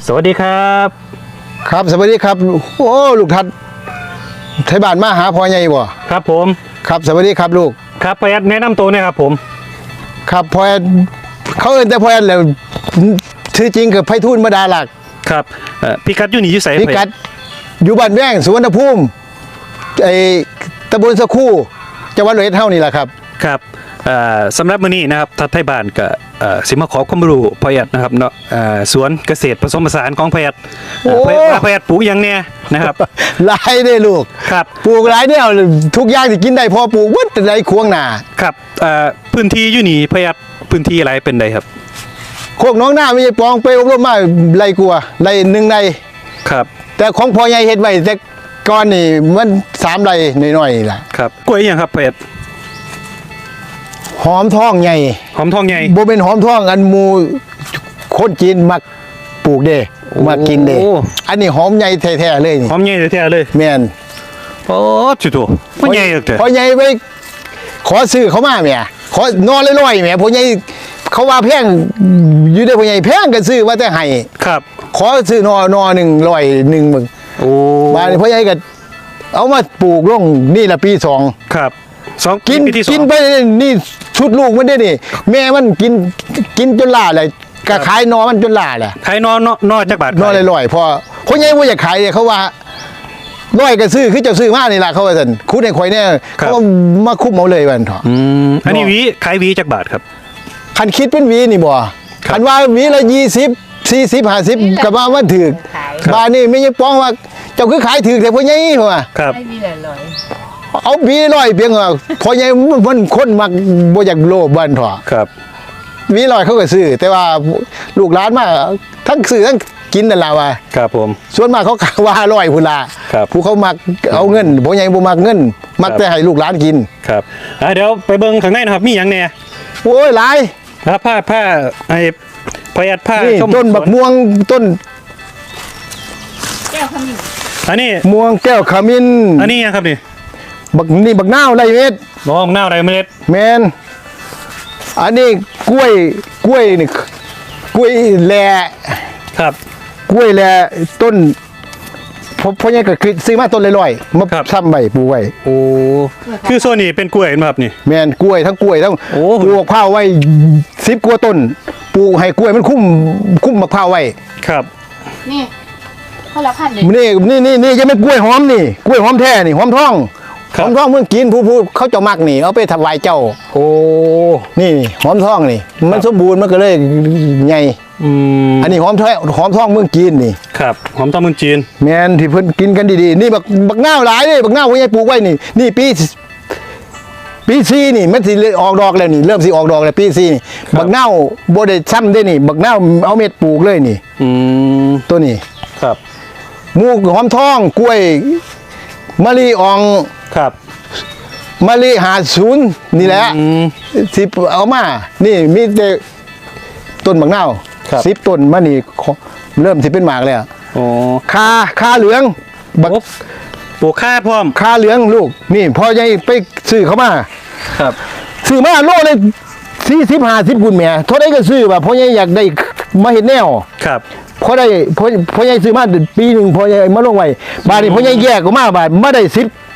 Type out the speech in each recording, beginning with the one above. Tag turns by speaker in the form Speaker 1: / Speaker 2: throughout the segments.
Speaker 1: สวัสดีครับ
Speaker 2: ครับสวัสดีครับโอ้ลูกทัดไทยบ้านมาหาพ่อใหญ่บ่
Speaker 1: ครับผม
Speaker 2: ครับสวัสดีครับลูก
Speaker 1: ครับพ่อแอดแนะนำตัวนะครับผม
Speaker 2: ครับพ่อแอดเขาเอิ้นแต่พ่อแอดแล้วชื่อจริงคือไพฑูรย์มดาหลัก
Speaker 1: ครับพี่กัดอยู่นี่อยู่ไส
Speaker 2: พี่กัดอยู่บ้านแว้งสุวรรณภูมิไอ้ตำบลสะคู่จังหวัดร้อยเอ็ดเฮานี่แหละครับ
Speaker 1: ครับสำหรับมื้อนี้นะครับทัดไทยบ้านก็สิมาขอความรู้พ่อแอดนะครับเนาะสวนเกษตรผสมผสานของพ่อแอดพ่อแอดปลูกอย่างแน่นะครับ
Speaker 2: หลายเด้ลูก
Speaker 1: ครับ
Speaker 2: ปลูกหลายแนวทุกอย่างที่กินได้พอปลูกหมดในควงหน้า
Speaker 1: ครับพื้นที่อยู่นี่พ่อแอดพื้นที่อะไรเป็นใดครับ
Speaker 2: โคกน้องหน้าไม่ใช่ปองไปอบรมมาไรกลัวไรหนึ่งไร
Speaker 1: ครับ
Speaker 2: แต่ของพ่อใหญ่เฮ็ดไว้แต่ก่อนนี่มัน3ไรน้อยๆนี่แหละ
Speaker 1: ครับกล้วยอย่างครับพ่อแอด
Speaker 2: หอมทองใหญ่
Speaker 1: หอมทองใหญ่
Speaker 2: บ่เป็นหอมทองอันหมูคนจีนมักปลูกเด้มากินเด้อันนี้หอมใหญ่แท้ๆเลยนี่
Speaker 1: หอมใหญ่แท้ๆเลย
Speaker 2: แม่น
Speaker 1: โอ้จุดตัวมันใหญ่จัง
Speaker 2: พ่อใหญ่ไปขอซื้อเขามาแม่ขอนอนลอยๆแม่พ่อใหญ่เขาว่าแพงอยู่ได้พ่อใหญ่แพงก็ซื้อว่าแต่ให้
Speaker 1: ครับ
Speaker 2: ขอซื้อนอ100มึง
Speaker 1: โอ้
Speaker 2: บ้านพ่อใหญ่ก็เอามาปลูกลงนี่ละปี2
Speaker 1: ครับ
Speaker 2: กินไปนี่ชุดลูกมันได้นี่แม่มันกินจนล่าเลยก็ขายนอมันจนล่าแหละ
Speaker 1: ขายนอจักบาท
Speaker 2: นอลอยๆพอคนใหญ่ว่าอยากขายเนี่ยเขาว่าร้อยก็ซื้อคือเจ้าซื้อมานี่ล่ะเขาว่าซั่นคุดให้ข่อยเนี่ยเขามาคุบเอาเลยวันเถาะ
Speaker 1: อันนี้ขายจักบาทครับ
Speaker 2: คันคิดเป็นวีนี่บ่คันว่าวีละ20 40 50ก็ว่ามันถูกบ้านนี่ไม่ใช่ป้องว่าเจ้าคือขายถูกแต่พ่อใหญ่เพราะว่า
Speaker 1: ครับ
Speaker 2: เอาบีร้อยเพียงว่าพอใหญ่มันคนมักบ่อยากโลภบ้านเถาะ
Speaker 1: ครับ
Speaker 2: วีร้อยเขาก็ซื้อแต่ว่าลูกหลานมาทั้งซื้อทั้งกินนั่นล่ะว่า
Speaker 1: ครับผม
Speaker 2: ส่วนมากเขาว่าร้อยพุ่นล่ะผู้เขามักเอาเงินพ่อใหญ่บ่มักเงินมักแต่ให้ลูกหลานกิน
Speaker 1: ครับเดี๋ยวไปเบิ่งข้างในนะครับมีหยังแน่
Speaker 2: โอ้ยหลาย
Speaker 1: ครับผ้าไอ้ประหยัดผ้า
Speaker 2: ต้นบักม่วงต้น
Speaker 3: แก้วขมิ้น
Speaker 1: อันนี้
Speaker 2: ม่วงแก้วขมิ้น
Speaker 1: อันนี้ครับนี่
Speaker 2: บักนาวไรเม็ด
Speaker 1: น้องนาวไรเม็ด
Speaker 2: แมนอันนี้กล้วยนี่กล้วยแหล่
Speaker 1: ครับ
Speaker 2: กล้วยแหล่ต้นพอยังก็คือซื้อมาต้นลอยๆมาซ้ำใบปลูกไว้
Speaker 1: โอ้คือโซนนี้เป็นกล้วยครับนี่
Speaker 2: แมนกล้วยทั้งกล้วยทั้งปลูกข้าวไว้10 กว่าต้นปลูกให้กล้วยมันคุ้มมะพร้าวไว้
Speaker 1: ครับ
Speaker 3: นี่คนละพันเลย
Speaker 2: นี่ยังไม่กล้วยหอมนี่กล้วยหอมแท้นี่หอมทองเมืองกินผู้เขาจะมักนี่เอาไปถวายเจ้า
Speaker 1: โอ้
Speaker 2: นี่หอมทองนี่มันสมบูรณ์มันก็เลยใหญ่อันนี้หอมทองเมืองจีนนี่
Speaker 1: ครับหอมทองเมืองจีน
Speaker 2: แมนที่เพิ่นกินกันดีๆนี่บักนาวหลายเลยบักนาวพ่อใหญ่ปลูกไว้นี่ปีซีนี่มันสิออกดอกแล้วนี่เริ่มสิออกดอกแล้วปีซีนี่บักนาวบ่ได้ซ้ำได้นี่บักนาวเอาเม็ดปลูกเลยนี่ตัวนี้
Speaker 1: ครับ
Speaker 2: หมูหอมทองกล้วยมะลิอ่อง
Speaker 1: ครับ
Speaker 2: มะลิ50นี่แหละสิเอามานี่มีแต่ต้นบักนาว10 ต้นมานี่เริ่มสิเป็นหมากแล้ว
Speaker 1: อ๋อ
Speaker 2: คาเหลือง
Speaker 1: ปลูกค่าพร้อม
Speaker 2: คาเหลืองลูกนี่พอใหญ่ไปซื้อเขามา
Speaker 1: ครับ
Speaker 2: ซื้อมาโลเลย40-50กุ่นแม่เท่าใดก็ซื้อว่าพ่อใหญ่อยากได้มาเฮ็ดแนว
Speaker 1: ครับ
Speaker 2: พอได้พ่อใหญ่ซื้อมาปีนึงพ่อใหญ่มาลงไว้บาดนี้พ่อใหญ่แยกออกมาบาดมาได้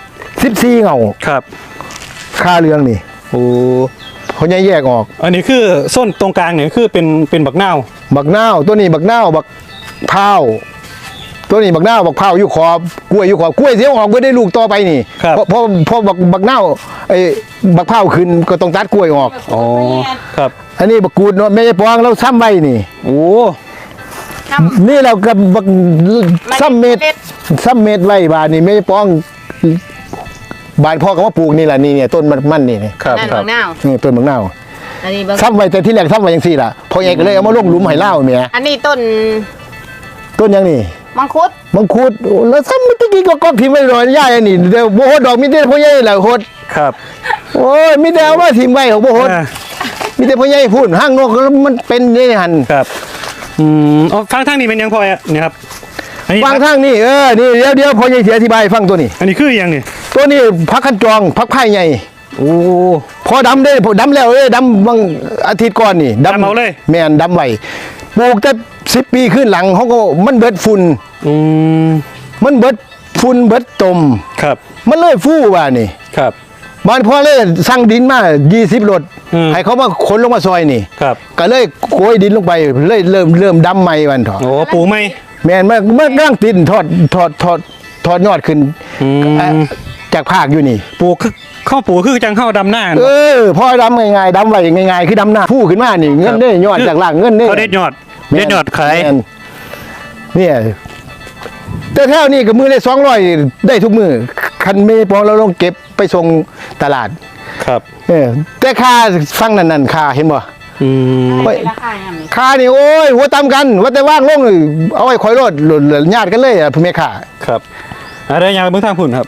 Speaker 2: 14เงา
Speaker 1: ครับ
Speaker 2: คาเหลืองนี่
Speaker 1: โอ้
Speaker 2: พ่อใหญ่แยกออก
Speaker 1: อันนี้คือส้นตรงกลางเนี่ยคือเป็นบักนาว
Speaker 2: ตัวนี้บักนาวบักพร้าวตัวนี้บักนาวบักพร้าวอยู่ขอบกล้วยอยู่ขอบกล้วยเสียออกเพื่อได้ลูกต่อไปนี่พอบักนาวไอ้บักพร้าวขึ้นก็ต้องตัดกล้วยออก
Speaker 1: อ๋อครับ
Speaker 2: อันนี้บักกูดเนาะไม่ใช่ปองเราซ้ำไว้นี่
Speaker 1: โอ้
Speaker 2: นี่เรากับบักซ้ำเม็ดไว้บาดนี่ไม่ใช่ปองบานพ่อก็มาปลูกนี่แหละนี่เนี่ยต้นมันนี่
Speaker 1: ครับ
Speaker 3: นั่นบักนาว
Speaker 2: นี่ต้นบักนาวซ้ำไว้แต่ที่แรกซ้ำไว้ยังสี่ล่ะพอใหญ่ก็เลยเอามาลงหลุมให้เล่าเมีย
Speaker 3: อันนี้ต้น
Speaker 2: ยังนี่
Speaker 3: มังคุด
Speaker 2: แล้วซ้ำเมื่อกี้ก็พิมพ์ไว้รอยย่าอันนี้เดี๋ยวโบโหดดอกมีแต่พ่อใหญ่แหละโหด
Speaker 1: ครับ
Speaker 2: โอ้ยมีแต่เอามาทิมไว้ของโบโหดมีแต่พ่อใหญ่พูดห้างนกแล้วมันเป็นนี่หัน
Speaker 1: ครับฟังทางนี้เป็นยังพอเนี่ยครับ
Speaker 2: ฟังทางนี่นี่เดี๋ยวพ่อใหญ่เสียอธิบายฟังตัวนี้
Speaker 1: อันนี้คือยังนี่
Speaker 2: ตัวนี้พักขันจองพักไผ่ใหญ่
Speaker 1: โอ้
Speaker 2: พอดำได้พอดำแล้วดำบางอาทิตย์ก่อนนี่
Speaker 1: ดำเอาเลย
Speaker 2: แม่นดำไว้ปลูกแต่10 ปีขึ้นหลังเขาก็มันเบิดฝุ่น
Speaker 1: อืม
Speaker 2: มันเบิดฝุ่นเบิดตม
Speaker 1: ครับ
Speaker 2: มันเลยฟู่ว่านี่
Speaker 1: ครับ
Speaker 2: บ้านพ่อเลยสั่งดินมา20 รถ
Speaker 1: อืม
Speaker 2: ให้เขามาขนลงมาซอยนี่
Speaker 1: ครับ
Speaker 2: ก็เลยโกยดินลงไปเลยเริ่มดำใหม่วันเถอะ
Speaker 1: โอ้ปลูกไหม
Speaker 2: แม่นมันกำลังตินทอดยอดขึ้น
Speaker 1: อืม
Speaker 2: จากภาคอยู่นี่
Speaker 1: ปลูกคือข้าวปลูกคือจังข้าวดำหน้า
Speaker 2: พ่อดำง่ายๆดำไว้ง่ายๆคือดำหน้าฟู่ขึ้นมานี่เงินได้ยอดจากล่างเงินได้
Speaker 1: เขาเด็ดยอดเด็ดยอดขาย
Speaker 2: แม่นเนี่ยแต่แถวนี้ก็มือได้200ได้ทุกมือคันไม่พอเราลงเก็บไปส่งตลาด
Speaker 1: ครับ
Speaker 2: แต่ค่าฟังนั่นค่าเห็นบ่
Speaker 1: อืม
Speaker 3: เป็นราคาอย่างนี้
Speaker 2: ค่านี่โอ้ยหัวตำกันว่าแต่ว่างลงนี่เอาไว้คอยรถญาติกันเลยอ่ะพ่อแม่ค่า
Speaker 1: ครับอะไรอย่างเบื้องทางผุนครับ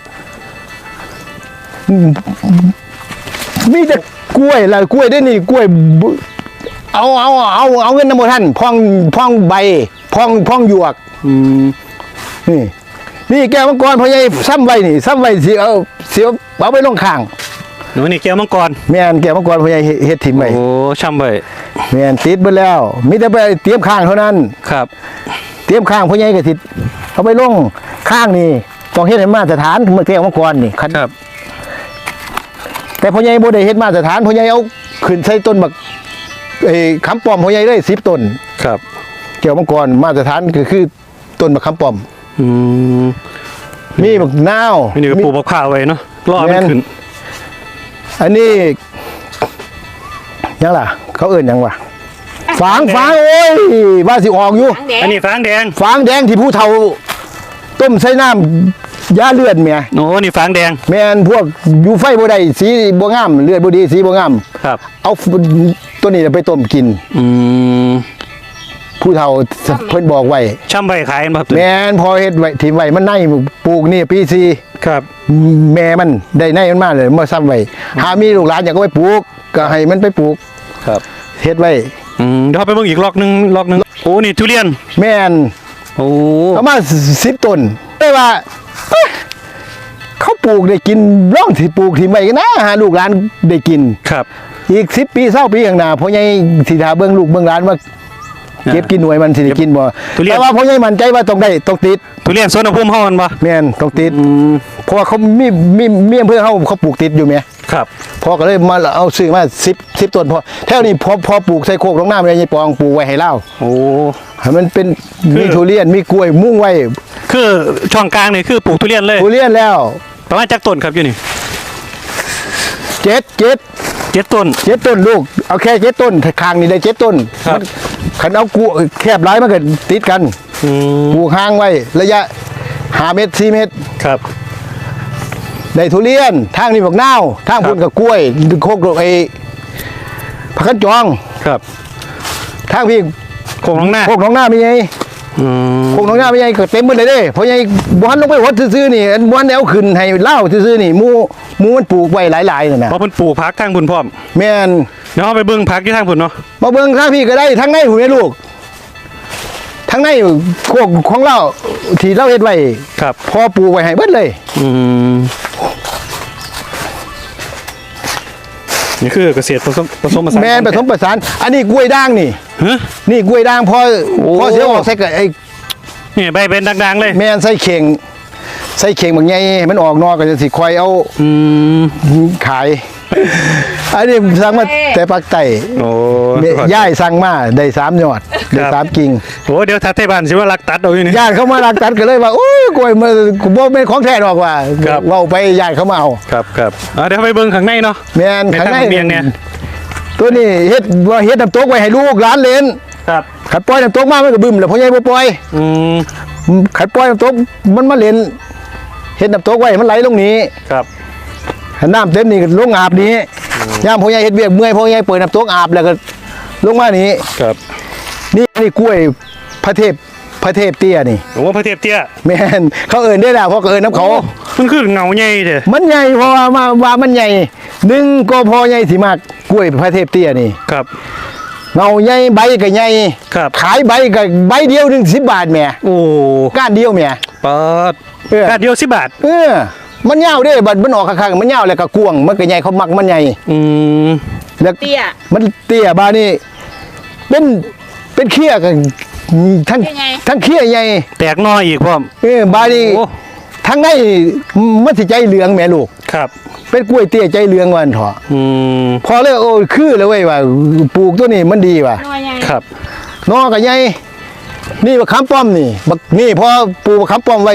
Speaker 2: มีแต่กล้วยละกล้วยได้นี่กล้วยบุเอาเงินน้ำมันท่านพองใบพองหยวก
Speaker 1: อืม
Speaker 2: นี่แก้วมังกรพ่อใหญ่ซ้ำไว้นี่ซ้ำไว้สิเอาไปลงข้าง
Speaker 1: หนูนี่แก้วมังกร
Speaker 2: แม่นแก้วมังกรพ่อใหญ่เฮ็ดถิ่มไว้
Speaker 1: โอ้ช่ำไป
Speaker 2: แม่นติดเบิดแล้วมีแต่ไปเตรียมข้างเท่านั้น
Speaker 1: ครับ
Speaker 2: เตรียมข้างพ่อใหญ่ก็สิเอาไปลงข้างนี่ต้องเฮ็ดให้มาตรฐานเมื่อแก้วมังกรนี่
Speaker 1: ครับ
Speaker 2: แต่พ่อใหญ่บ่ได้เฮ็ดมาตรฐานพ่อใหญ่เอาขึ้นใส่ต้นบักคำป้อมพ่อใหญ่ได้10 ต้น
Speaker 1: ครับ
Speaker 2: แก้วมังกรมาตรฐานก็คือต้นบักคำป้อม
Speaker 1: อืม
Speaker 2: มีบักนาว
Speaker 1: นี่ก็ปลูกมะพร้าวไว้เนาะรอมันขึ้น
Speaker 2: อันนี้ยังล่ะ เขาเอิ้นหยังวะฝางโอ้ยว่าสิออกอยู่
Speaker 3: หางแดง
Speaker 1: อันนี้ฟางแดง
Speaker 2: ฝางแดงที่ผู้เฒ่าต้มใส่น้ำยาเลือดเมีย
Speaker 1: โอ้นี่ฟางแดง
Speaker 2: แม่นพวกอยู่ไฟบ่ได้สีบ่งามเลือดบ่ดีสีบ่งาม
Speaker 1: ครับ
Speaker 2: เอาตัวนี้ไปต้มกิน
Speaker 1: อืม
Speaker 2: ผู้เฒ่าเพิ่นบอกไว้
Speaker 1: ช่ำใบขายกันบ่ครับตัวนี้
Speaker 2: แม่นพอเฮ็ดไว้ถิ่มไว้มันในปลูกนี่ปีซี
Speaker 1: ครับ
Speaker 2: แม่มันได้ในมันมาเลยมาซ้ำไว้หามีลูกหลานอยากก็ไปปลูกก็ให้มันไปปลูก
Speaker 1: ครับ
Speaker 2: เฮ็ดไว้
Speaker 1: เดี๋ยวเราไปเบิ่งอีกล็อกหนึงโอ้นี่ทุเรียน
Speaker 2: แม่น
Speaker 1: โอ้
Speaker 2: ประมาณ10 ต้นได้ว่าเอ๊ะเขาปลูกได้กินร่องที่ปลูกที่ไม่กันนะหาลูกหลานได้กิน
Speaker 1: ครับ
Speaker 2: อีก10 ปี20 ปีข้างหน้าพ่อใหญ่สิทาเบิ่งลูกเบิ่งหลานว่าเก็บกินหน่วยมันสิได้กินบ่
Speaker 1: ทุเรียน
Speaker 2: แต่ว่าพ่อใหญ่มั่นใจว่าต้องได้ต้องติด
Speaker 1: ทุเรียนสวนอุณหภูมิเฮามันบ่
Speaker 2: แม่นต้องติด
Speaker 1: อืม
Speaker 2: เพราะว่าเขามีอำเภอเขาปลูกติดอยู่แหม
Speaker 1: ครับ
Speaker 2: พ่อก็เลยมาเอาซื้อมา10 ต้นพอแถวนี้พอปลูกใส่โคกลงน้าเลยยายปองปลูกไว้ให้เล่า
Speaker 1: โอ้
Speaker 2: ให้มันเป็น
Speaker 1: คือ
Speaker 2: มีทุเรียนมีกล้วยมุ่งไว้
Speaker 1: คือช่องกลางนี่คือปลูกทุเรียนเลย
Speaker 2: ทุเรียนแล้ว
Speaker 1: ประมาณจักต้นครับอยู่นี่
Speaker 2: 7
Speaker 1: 7 ต้น
Speaker 2: ต้นลูกเอาแค่7 ต้นคางนี่ได้7 ต้น
Speaker 1: ครับ
Speaker 2: ขันเอากูแคบหลายมันก็ติดกัน
Speaker 1: อืม
Speaker 2: ปลูกห่างไว้ระยะ5 เมตร 4 เมตร
Speaker 1: ครับ
Speaker 2: ได้ทุเรียนทางนี้บักนาวทาง
Speaker 1: ครับ
Speaker 2: พุ่นกับกล้วยโคกผักกระจอง
Speaker 1: ครับ
Speaker 2: ทางพี่
Speaker 1: โคงน้องหน้า
Speaker 2: โคกหนองหน้ามีไง
Speaker 1: อืม
Speaker 2: โคกหนองหน้ามีไงก็เต็มหมดเลยเด้เพราะไงบ้านลงไปวัดซื่อๆนี่อันบ้านแนวขึ้นให้เล่าซื่อๆนี่หมูมันปลูกไว้หลายๆนั่นน่ะ
Speaker 1: เพราะเพิ่นปลูกพักทางพุ่นพร้อม
Speaker 2: แม่น
Speaker 1: เดี๋ยวเราไปเบิ่งพักที่ทางพุ่นเนาะ
Speaker 2: มาเบิ่งทางพี่ก็ได้ทางในหูแม่ลูกทางในโคกของเราที่เราเฮ็ดไว้
Speaker 1: ครับ
Speaker 2: พอปลูกไว้ให้เบิดเลย
Speaker 1: อืมนี่คือเกษตรผสมผสาน
Speaker 2: แม่นผสมประสาน อันนี้กล้วยด่างนี่
Speaker 1: ฮะ
Speaker 2: นี่กล้วยด่างพอ
Speaker 1: โอ้
Speaker 2: พอเสียออกใส่กับไอ้
Speaker 1: นี่ใบเป็นดังๆเลย
Speaker 2: แม่นใส่เข่งบางใหญ่ให้มันออกนอกก็จะสิคอยเอา
Speaker 1: อืม
Speaker 2: ขาย อันนี้สั่งมาแต่ปักไต่
Speaker 1: โอ้
Speaker 2: ย่ายสั่งมาได้3 ยอดได้3 กิ่ง
Speaker 1: โหเดี๋ยวทัดไทยบ้านสิว่ารักตัดเอาอยู่นี่
Speaker 2: ญาติเขามารักตัดกันเลยว่าโอ้ยกล้วยมันบ่เป็นของแท้ดอกว่า
Speaker 1: ครับ
Speaker 2: เว้าไปญาติเขามาเอา
Speaker 1: ครับเดี๋ยวไปเบิ่งข้างในเนาะ
Speaker 2: แม่น
Speaker 1: ใน
Speaker 2: ข้าง
Speaker 1: ทาง
Speaker 2: ใน
Speaker 1: เบียงเนี่ย
Speaker 2: ตัวนี้เฮ็ดน้ำตกไว้ให้ลูกหลานเล่น
Speaker 1: ครับ
Speaker 2: ขัดปล่อยน้ำตกมามันก็บึ้มแล้วพ่อใหญ่บ่ปล่อย
Speaker 1: อืม
Speaker 2: ขัดปล่อยน้ำตกมันมาเล่นเฮ็ดน้ำตกไว้มันไหลลงนี้
Speaker 1: ครับ
Speaker 2: ถ้าน้ำเต็มนี่ก็ลงอาบนี้ยามพ่อใหญ่เฮ็ดเวียกเมื่อยพ่อใหญ่เปิดน้ำตกอาบแล้วก็ลงมานี้
Speaker 1: ครับ
Speaker 2: นี่กล้วยพระเทพเตี้ยนี่
Speaker 1: โอ้พระเทพเตี้ย
Speaker 2: แม่นเขาเอิ้นได้แล้วเพราะเขาเอิ้นน้ำเขา
Speaker 1: มันคือเงาใหญ่เด้อ
Speaker 2: มันใหญ่เพราะว่ามันใหญ่หนึ่งก็พอใหญ่สิมากกล้วยพระเทพเตี้ยนี่
Speaker 1: ครับ
Speaker 2: เงาใหญ่ใบก็ใหญ่
Speaker 1: ครับ
Speaker 2: ขายใบก็ใบเดียวหนึ่ง10 บาทแหม่
Speaker 1: โอ้
Speaker 2: ก้านเดียวแหม่
Speaker 1: เปิด
Speaker 2: เออ
Speaker 1: กาดเดียว10 บาท
Speaker 2: เออมันยาวเด้บัดมันออกข้างๆมันยาวแล้วก็กวางมันก็ใหญ่เขามักมันใหญ่
Speaker 1: อืม
Speaker 2: แล้ว
Speaker 3: เตี้ย
Speaker 2: มันเตี้ยบานี่เป็นเขี้ยกันทั้ง
Speaker 3: เป็นไง
Speaker 2: ทั้งเขี้ยใหญ่
Speaker 1: แตกหน้อยอีกพร้อม
Speaker 2: บานี่
Speaker 1: โอ้
Speaker 2: ทั้งในมันสิใจเหลืองแม่ลูก
Speaker 1: ครับ
Speaker 2: เป็นกล้วยเตี้ยใจเหลืองวันเถอะ
Speaker 1: อืม
Speaker 2: พอเลยโอ้คือเลยเว้ยว่าปลูกตัวนี้มันดีว่ะ
Speaker 3: หน่วยใหญ่
Speaker 1: ครับ
Speaker 2: นอก็ใหญ่นี่บักขามป้อมนี่บักนี่พอปลูกบักขามป้อมไว้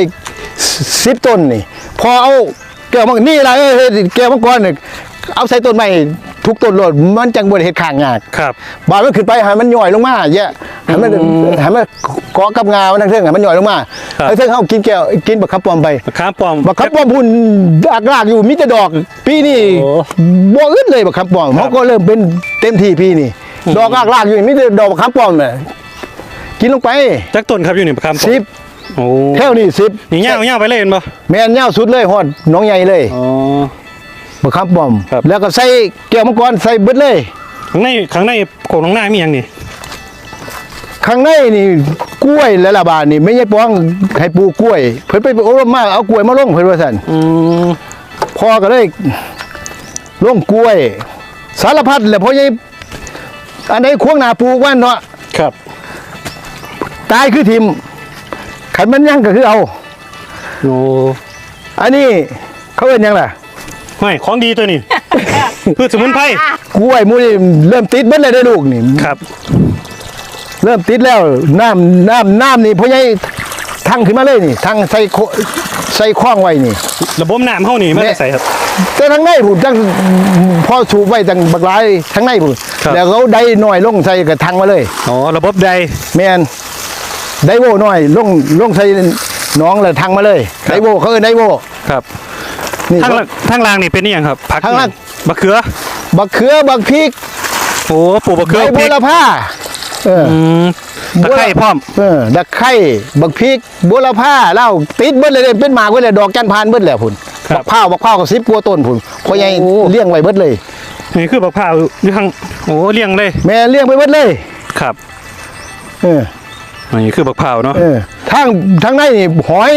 Speaker 2: 10 ต้นนี่ พอเอาแก้วมังนี่ล่ะแก้วมังกรนี่เอาใส่ต้นไม้ทุกต้นโลดมันจังบ่ได้เฮ็ดข้างยาก
Speaker 1: ครับ
Speaker 2: บาดมันขึ้นไปให้มันย่อยลงมาแยะให้มันเกาะกับงามันทั้งเทิงให้มันย่อยลงมา
Speaker 1: ครับ
Speaker 2: ไอ้เทิงเฮากินแก้วกินบักขามป้อมไป
Speaker 1: บักขามป้อม
Speaker 2: บักขามป้อมพุ่นรากอยู่มีแต่ดอก ปีนี้
Speaker 1: โอ้
Speaker 2: บ่อึดเลยบักขามป้อม
Speaker 1: ครับ
Speaker 2: เขาก็เริ่มเป็นเต็มที่ปีนี้ดอกรากอยู่มีแต่ดอกบักขามป้อมน่ะกินลงไป
Speaker 1: จักต้นครับอยู่นี่บักขามป้อม
Speaker 2: 10
Speaker 1: โอ้
Speaker 2: แถวนี้
Speaker 1: นี่ย่างไปเลยเห็นบ่
Speaker 2: 10แม่นยาวสุดเลยฮอดหน้องใหญ่เลย
Speaker 1: อ๋อ
Speaker 2: บักขามป้อม
Speaker 1: ครับ
Speaker 2: แล้วก็ใส่แก้วมังกรใส่เบิดเลย
Speaker 1: ข้างในโขงน้องหน้ามีหยังนี่
Speaker 2: ข้างในนี่กล้วยและละบาทนี่ไม่ใช่ป้องให้ปลูกกล้วย เพิ่นไปอบรมมาเอากล้วยมาลงเพิ่นว่าซั่น
Speaker 1: อืม
Speaker 2: พ่อก็เลยลงกล้วย สารพัดแหละพ่อใหญ่อันไหนควงหน้าปลูกว่าเนาะ
Speaker 1: ครับ
Speaker 2: ตายคือทิมขันมันยังก็คือเอา
Speaker 1: โอ้
Speaker 2: อันนี้เขาเอิ้นหยังล่ะ
Speaker 1: ไม่ของดีตัวนี้ พืชสมุนไพร
Speaker 2: กล้วยหมูนี่เริ่มติดเบิดเลยได้อลูกนี่
Speaker 1: ครับ
Speaker 2: เริ่มติดแล้วน้ำนี่พ่อใหญ่ทั้งขึ้นมาเลยนี่ทั้งใส่คล้องไว้นี่
Speaker 1: ระบบน้ำเฮานี่มันจะใส่ครับ
Speaker 2: แต่ทั้งในผมจังพอสูบไว้จังบักหลายทั้งในผม
Speaker 1: ครับ
Speaker 2: แล้วเขาได้หน่อยลงใส่กระทังมาเลย
Speaker 1: อ๋อระบบใด
Speaker 2: แมนได้โวหน่อยลงใส่หน้องแล้วทังมาเลย
Speaker 1: ครับ
Speaker 2: ได้โวเขาเอิ้นได้โว
Speaker 1: ครับ
Speaker 2: นี่
Speaker 1: ทางล่างนี่เป็นอีหยังครับผัก
Speaker 2: ทางล่าง
Speaker 1: มะเขือ
Speaker 2: บักเขือบักพริก
Speaker 1: โอ้ปลูกมะเขือ
Speaker 2: ใบ
Speaker 1: พ
Speaker 2: บั
Speaker 1: ริ
Speaker 2: ว
Speaker 1: ก
Speaker 2: ละผ้าเออ
Speaker 1: อืมตะไคร้พร้อม
Speaker 2: ตะไคร้บักพริกบัวละผ้าเหล้าติดเบิดเลยเป็นหมากเบิดเลยดอกจันทร์พานเบิดแล้วพุ่น
Speaker 1: ครับ
Speaker 2: บักพร้าวก็10กว่าต้นพุ่นพ่อใหญ่
Speaker 1: โอ้
Speaker 2: เลี้ยงไว้เบิดเลย
Speaker 1: นี่คือบักพร้าวอยู่ข้างโอ้เลี้ยงเลย
Speaker 2: แม่เลี้ยงไว้เบิดเลย
Speaker 1: ครับ
Speaker 2: เออ
Speaker 1: นี่คือบักพร้าวเนาะ
Speaker 2: ทางในนี่หอย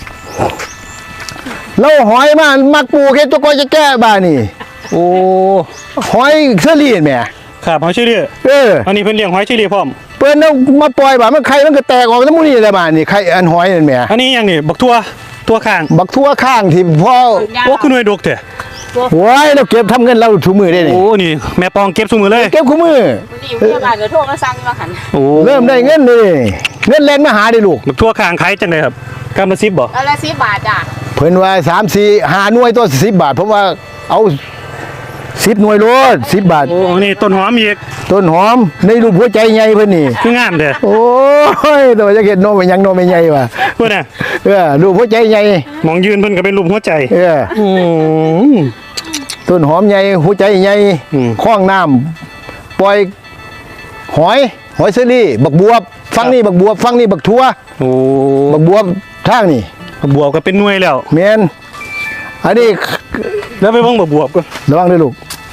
Speaker 2: เราหอยมามักปลูกเฮ็ดตัวก้อยจะแก้บ้านี่
Speaker 1: โอ้
Speaker 2: หอยเชอรี่แหม่
Speaker 1: ครับหอยเชอรี่ อันนี้เพิ่นเลี้ยงหอยเชอรี่พร้อม
Speaker 2: เปิ้นเอามาปล่อยบ้ามันไข่มันก็แตกออกทั้งหมดนี่แหละบ้านี่ไข่อันหอยนั่นแหม่
Speaker 1: อันนี้อย่างนี่บักทั่วข้าง
Speaker 2: บักทั่วข้างที่พ่อ
Speaker 3: ยาว
Speaker 1: โอ้คือหน่วยดกแท้
Speaker 2: โอ้ยเราเก็บทำเงินเราถุมือได้นี่
Speaker 1: โอ้นี่แม่ปองเก็บซุมือเลย
Speaker 2: เก็บคู่มือ
Speaker 3: วันนี้พยาบาลก็โทรมาสั่งมาหัน
Speaker 1: โอ้
Speaker 2: เริ่มได้เงินนี่เงินแรงมาหาได้ลูก
Speaker 1: บักทั่วข้างขายจังไดครับกำละ10บ่
Speaker 3: แล้วละ10 บาทจ้ะ
Speaker 2: เพิ่นว่า3 4 5หน่วยตัว10 บาทผมว่าเอา10หน่วยโลด10 บาท
Speaker 1: โอ้นี่ต้นหอมอีก
Speaker 2: ต้นหอมในรูปหัวใจใหญ่เพิ่นนี่
Speaker 1: คืองามเด้อ
Speaker 2: โอ้ยตัวจะเห็นโนมันยังโนไม่ใหญ่ว่ะ
Speaker 1: เพิ่นน่ะ
Speaker 2: รูปหัวใจใหญ่
Speaker 1: มองยืนเพิ่นก็เป็นรูปหัวใจ อืม
Speaker 2: ต้นหอมใหญ่หัวใจใหญ่
Speaker 1: อืม
Speaker 2: คล้องน้ำปล่อยหอยเซอรี่บักบวบฟังนี่บักบวบฟังนี่บักทั่ว
Speaker 1: โอ้
Speaker 2: บักบวบทางนี่
Speaker 1: บวบก็เป็นหน่วยแล้ว
Speaker 2: แมนอันนี้
Speaker 1: แล้วไปเบิ่งบักบวบก็
Speaker 2: ระวังด้วยลูก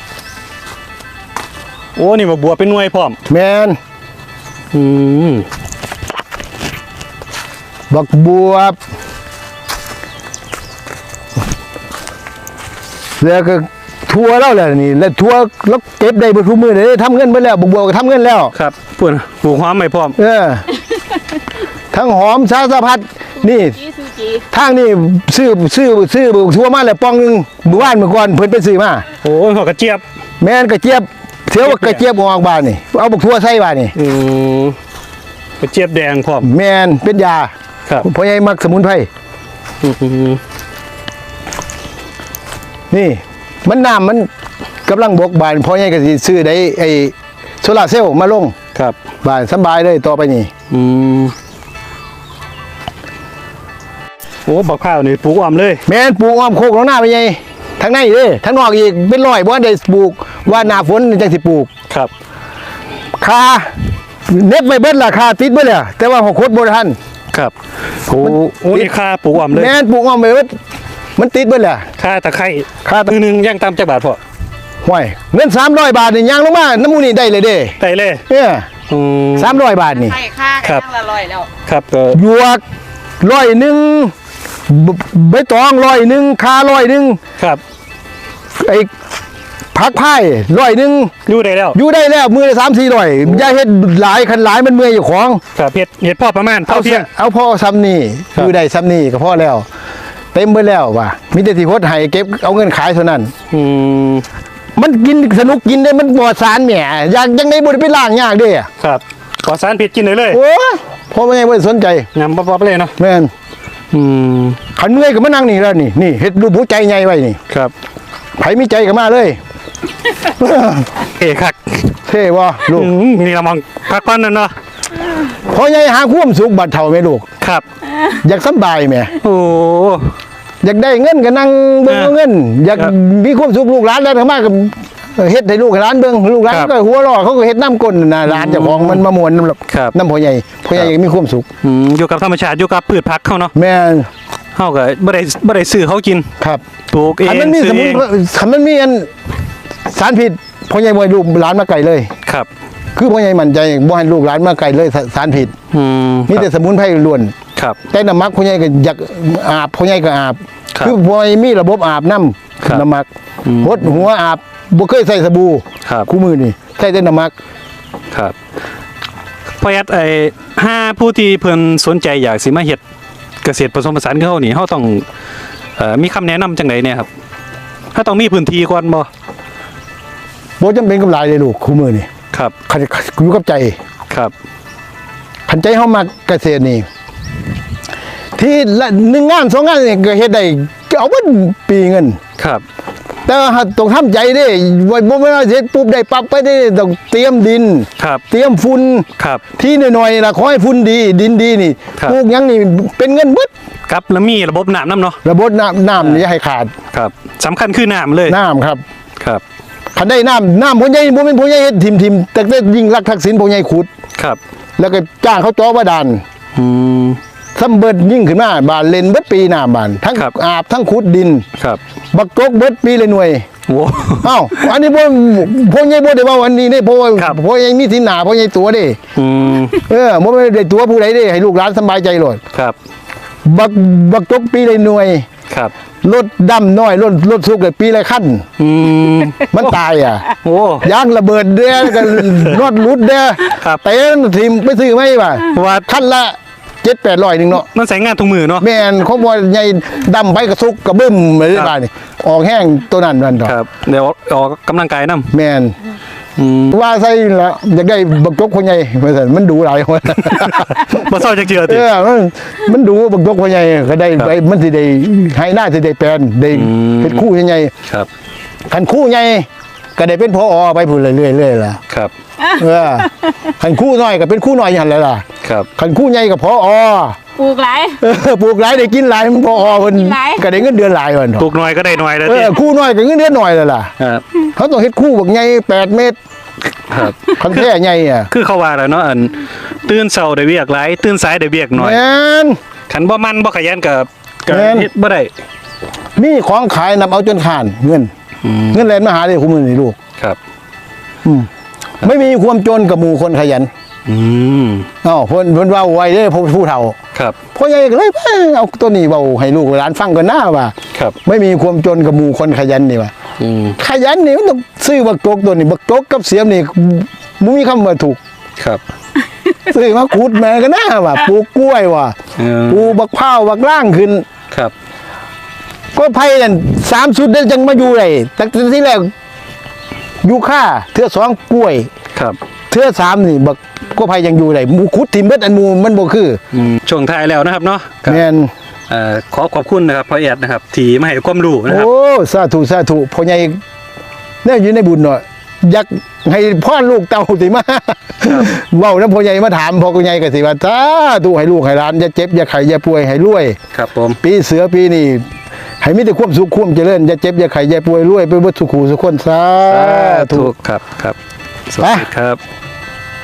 Speaker 1: โอ้นี่บักบวบเป็นหน่วยพร้อม
Speaker 2: แมน
Speaker 1: อืม
Speaker 2: บักบวบแล้วก็ทั่วแล้วแหละนี่แล้วทั่วแล้วเก็บได้เบทุกมือเลยทำเงินไปแล้วบักบวบก็ทำเงินแล้ว
Speaker 1: ครับปุ่นปลูกหอมไม่พร้อม
Speaker 2: ทั้งหอมสารพัดนี่
Speaker 3: จีซูจี
Speaker 2: ทางนี่ซื้อทั่วมาแล้วปองหนึงเมื่อวานเมื่อก่อนเพิ่นไปซื้อมา
Speaker 1: โอ้ยหอกกระเจี๊ยบ
Speaker 2: แม่นกระเจี๊ยบเสียวว่ากระเจี๊ยบออกบ้านนี่เอาบักทั่วใส่บ้านนี่
Speaker 1: อืมกระเจี๊ยบแดงพร้อม
Speaker 2: แม่นเป็นยา
Speaker 1: ครับ
Speaker 2: พ่อใหญ่มักสมุนไพร
Speaker 1: อืม
Speaker 2: นี่ มันน้ำมันกำลังบกบานพ่อใหญ่ก็สิซื้อได้ไอ้โซลาร์เซลล์มาลง
Speaker 1: ครับ
Speaker 2: บ้านสบายเลยต่อไปนี่
Speaker 1: อืมโอ้บักข้าวนี่ปลูกอ้อมเลย
Speaker 2: แม่นปลูกอ้อมโคกของหน้าไปใหญ่ทางในเด้ทางนอกอีกเป็นร้อยบ่ได้ปลูกว่าหน้าฝนจังสิปลูก
Speaker 1: ครับ
Speaker 2: คาเน็บไม่เบิดล่ะคาติดเบิดแล้วแต่ว่าหกคดบ่ทัน
Speaker 1: ครับโอ้โอ้นี่ค่าปลูกอ้อมเลย
Speaker 2: แม่นปลูกอ้อมไปเบิดมันติดเบิดแล้ว
Speaker 1: ค่าตะไคร้
Speaker 2: ค่าตะ
Speaker 1: มือหนึงย่างตามจักบาทพอ
Speaker 2: ห้วยเงิน300 บาทนี่ยางลงมาน้ำมูนี่ได้เลยเด้
Speaker 1: ได้เลย
Speaker 2: เนี่ย
Speaker 1: อืม
Speaker 2: 300 บาทนี่
Speaker 3: ให้ค่า
Speaker 1: ครับ
Speaker 3: กันละ100แล้ว
Speaker 1: ครับก็
Speaker 2: หยวก100 ใบตอง100คา100
Speaker 1: ครับ
Speaker 2: ไอ้ผักไผ่100
Speaker 1: อยู่ได้แล้ว
Speaker 2: อยู่ได้แล้วมือละ3-400อย่าเฮ็ดหลายคันหลายมันเมื่อยอยู่ของ
Speaker 1: ครับเฮ็ดพ่อประมาณเท่าเที่ยง
Speaker 2: เอาพ่อซ้ำนี่
Speaker 1: ครับ
Speaker 2: อยู่ได้ซ้ำนี่ก็พอแล้ว เต็มไปแล้วว่ะมีแต่ที่โคตรให้เก็บเอาเงินขายเท่านั้น
Speaker 1: อืม
Speaker 2: มันกินสนุกกินได้มันปลอดสารแหมอยากยังไงบ่ได้ไปล้างยากเด้อะ
Speaker 1: ครับปลอดสารพิษกินได้เลย
Speaker 2: โอ้ยพ่อไม่ได้สนใจ
Speaker 1: ยำป๊อปๆเลยเนาะ
Speaker 2: แม่น
Speaker 1: อืม
Speaker 2: ขันเมื่อยก็มานั่งนี่แล้วนี่เฮ็ดรูปหัวใจใหญ่ไว้นี่
Speaker 1: ครับ
Speaker 2: ไผมีใจก็มาเลย
Speaker 1: เอกคัก
Speaker 2: เท่บ่ลูก
Speaker 1: มีเรามองพักก่อนนั่นเนาะ
Speaker 2: พ่อใหญ่หาความสุขบัดเฒ่าแม่ลูก
Speaker 1: ครับ
Speaker 2: อยากสำบายแหม่
Speaker 1: โอ้
Speaker 2: อยากได้เงินก็นั่งเบิ่ง
Speaker 1: เออ
Speaker 2: เอาเงิน อยาก
Speaker 1: ครับ
Speaker 2: มีความสุขลูกหลานแล้วก็มาก็เฮ็ดให้ลูกให้หลานเบิ่งลูกหลาน
Speaker 1: ครับ
Speaker 2: ก็หัวเรอเขาก็เฮ็ดน้ำก้นน่ะหลานเจ้าของมันมาม่วนน้ำ
Speaker 1: ครับ
Speaker 2: น้ำพ่อใหญ่อยากมีความสุข
Speaker 1: อยู่กับธรรมชาติอยู่กับพืชผักเขาเนาะ
Speaker 2: แม่น
Speaker 1: เขาก็บ่ได้ซื้อเขากิน
Speaker 2: ครับ
Speaker 1: ปลูกเอง
Speaker 2: คันมันมี
Speaker 1: ซื้
Speaker 2: ส
Speaker 1: อ
Speaker 2: มุ
Speaker 1: เอน ง
Speaker 2: คันมันมีอันสารพิษพ่อใหญ่บ่ให้ลูกหลานมาไกลเลย
Speaker 1: ครับ
Speaker 2: คือพ่อใหญ่มั่นใจบ่ให้ลูกหลานมาไกลเลยสารพิษ
Speaker 1: อืม
Speaker 2: มีแต่สมุนไพรล้วน
Speaker 1: ครับ
Speaker 2: แต่น้ำมักพ่อใหญ่ก็อยากอาบพ่อใหญ่ก็อาบ
Speaker 1: ครับ
Speaker 2: คือพ่อใหญ่มีระบบอาบน้
Speaker 1: ครับ
Speaker 2: ำน้ำมักหดหัวอาบบ่เคยใส่สบู่
Speaker 1: ครับ
Speaker 2: คู่มือนี่ใส่แต่น้ำมัก
Speaker 1: ครับพ่อแอดห้าผู้ที่เพิ่นสนใจอยากสิมาเฮ็ดเกษตรผสมผสานกับเขานี่เขาต้องมีคำแนะนำจังไดเนี่ยครับถ้าต้องมีพื้นที่ก่อนบ่
Speaker 2: บ่จำเป็นกับหลายเลยลูกคู่มือนี่
Speaker 1: ครับ
Speaker 2: คันอยู่กับใจ
Speaker 1: ครับ
Speaker 2: คันใจเฮามักเกษตรนี่ ที่ละ1งาน2งานนี่ก็เฮ็ดได้เอาเบิดปีเงิน
Speaker 1: ครับ
Speaker 2: แต่ว่าต้องทำใจเด้บ่แม่นว่าเฮ็ดปุ๊บได้ปั๊บไปได้ต้องเตรียมดิน
Speaker 1: ครับ
Speaker 2: เตรียมฝุ่น
Speaker 1: ครับ
Speaker 2: ที่หน่อยๆล่ะขอให้ฝุ่นดีดินดีนี่
Speaker 1: ครับ
Speaker 2: ปลูกหยังนี่เป็นเงินเบิด
Speaker 1: ครับแล้วมีระบบน้ำเนาะ
Speaker 2: ระบบน้ำนี่อย่าให้ขาด
Speaker 1: ครับสำคัญคือน้ำเลย
Speaker 2: น้ำครับ
Speaker 1: ครับ
Speaker 2: คันได้น้ำพ่อใหญ่บ่แม่นพ่อใหญ่เฮ็ดทิมแต่ยิ่งรักทักษิณพ่อใหญ่ขุด
Speaker 1: ครับ
Speaker 2: แล้วก็จ้างเขาเจ่อบาดาล
Speaker 1: อืม
Speaker 2: ซ้ำเบิดยิ่งขึ้นมาบานเลนเบิดปีน้ำบานทั้ง
Speaker 1: ครับ
Speaker 2: อาบทั้งขุดดิน
Speaker 1: ครับ
Speaker 2: บักจกเบิดปีเลยหน่วย
Speaker 1: โอ้
Speaker 2: เอ้าอันนี้พ่อใหญ่บ่ได้ว่าวันนี้เด้เพราะว่า
Speaker 1: ครับ
Speaker 2: พ่อใหญ่มีที่หน้าพ่อใหญ่ตัวเด้
Speaker 1: อืม
Speaker 2: บ่แม่นได้ตัวผู้ใดเด้ให้ลูกหลานสบายใจโลด
Speaker 1: ครับ
Speaker 2: บักจกปีเลยหน่วย
Speaker 1: ครับ
Speaker 2: รถดำน้อยรถสุกเลยปีละขั้น
Speaker 1: อืม
Speaker 2: มันตายอ่ะ
Speaker 1: โอ้
Speaker 2: ยางระเบิดเด้อกันรถรุดเด้อ
Speaker 1: ครับ
Speaker 2: เต้นทีมไปซื้อไหมบ่า
Speaker 1: ว่า
Speaker 2: ขั้นละ7-800นึงเนาะ
Speaker 1: มันใส่งานทุกมือเนาะ
Speaker 2: แม่นเขาบ่ใหญ่ดำไปกระซุกกระบึ้มเลยได้บ่านี่ออกแห้งตัวนั้นนั่นดอก
Speaker 1: ครับเดี๋ยวออกกำลังกายนํ
Speaker 2: แม่น
Speaker 1: อืม
Speaker 2: ว่าใส่ละอยากได้บักจกคนใหญ่ว่าซั่นมันดูหลายคน
Speaker 1: บ่เศร้าจักเจือ
Speaker 2: เอ
Speaker 1: ติ
Speaker 2: อมันดูบักจกคนใหญ่ก็ได้
Speaker 1: ครับ
Speaker 2: ไปมันสิได้ให้หน้าสิได้แปลนได้
Speaker 1: อืม
Speaker 2: เป็นคู่ใหญ่
Speaker 1: ครับ
Speaker 2: คันคู่ใหญ่ก็ได้เป็นพอไปพูดเรื่อยๆล่ะ
Speaker 1: ครับ
Speaker 2: เออคันคู่น้อยก็เป็นคู่น้อยอย่างไรล่ะ
Speaker 1: ครับ
Speaker 2: คันคู่ใหญ่ก็พอ
Speaker 3: ปลูกหลาย
Speaker 2: ปลูกหลายได้กินหลายมันพอเพิ่น
Speaker 3: กินหลาย
Speaker 2: ก็ได้เงินเดือนหลายวัน
Speaker 1: ปลูกหน่อยก็ได้หน่อยแล้ว
Speaker 2: เอ
Speaker 1: ติ
Speaker 2: อคู่น้อยก็เงินเดือนหน่อยเลยล่ะ
Speaker 1: ครับ
Speaker 2: เขาต้องเฮ็ดคู่บักใหญ่8 เมตร
Speaker 1: ครับ
Speaker 2: คันแท้ใหญ่อ่ะ
Speaker 1: คือเขาว่าแล้วเนาะอันตื่นเช้าได้เวียกหลายตื่นสายได้เวียกหน่อย
Speaker 2: แม่น
Speaker 1: คันบ่มันบ่ขยันก็
Speaker 2: แม่น
Speaker 1: เฮ็ดบ่ได้
Speaker 2: มีของขายนำเอาจนขาดเงิน เงินแลนมาหาได้คู่มือนี่ลูก
Speaker 1: ครับ
Speaker 2: ไม่มีความจนกับหมู่คนขยัน
Speaker 1: อืม
Speaker 2: เอ้าเพิ่นเว้าไว้เด้อผู้เฒ่า
Speaker 1: ครับ
Speaker 2: พ่อใหญ่ก็เลยเอาตัวนี้เว้าให้ลูกหลานฟังก่อนหน้าว่า
Speaker 1: ครับ
Speaker 2: ไม่มีความจนกับหมู่คนขยันนี่ว่า
Speaker 1: อืม
Speaker 2: ขยันนี่มันต้องซื้อบักจกตัวนี้บักจกกับเสียมนี่มึงมีคำว่าถูก
Speaker 1: ครับ
Speaker 2: ซื้อมาขุดแม่ก็น่าว่าปลูกกล้วยว่ะ
Speaker 1: เออ
Speaker 2: ปลูกบักพร้าวบักล่างขึ้น
Speaker 1: ครับ
Speaker 2: ก็ไผ่นั่น3 ชุดได้จังมาอยู่ได้ตั้งแต่ที่แรกอยู่ค่าเทื่อ2กล้วย
Speaker 1: ครับ
Speaker 2: เทื่อ3นี่บักก็ไผ่ยังอยู่ได้หมู่ขุดทิ่มเบิดอันหมู่มันบ่คือ
Speaker 1: ช่วงท้ายแล้วนะครับเนาะครับ
Speaker 2: แม่น
Speaker 1: ขอขอบคุณนะครับพ่อแอดนะครับที่มาให้ความรู้นะครับ
Speaker 2: โอ้สาธุพ่อใหญ่เนี่ยอยู่ในบุญเนาะอยากให้พ่อลูกเต้าสิมาเว้านำพ่อใหญ่มาถามพ่อใหญ่ก็สิว่าสาธุให้ลูกให้หลานอย่าเจ็บอย่าไข้อย่าป่วยให้รวย
Speaker 1: ครับผม
Speaker 2: ปีเสือปีนี้ให้มีแต่ความสุขความเจริญอย่าเจ็บอย่าไข้อย่าป่วยรวยไปเบิดสุขูสุขคนสาธุ
Speaker 1: ถูกครับครับสวัสดีครับ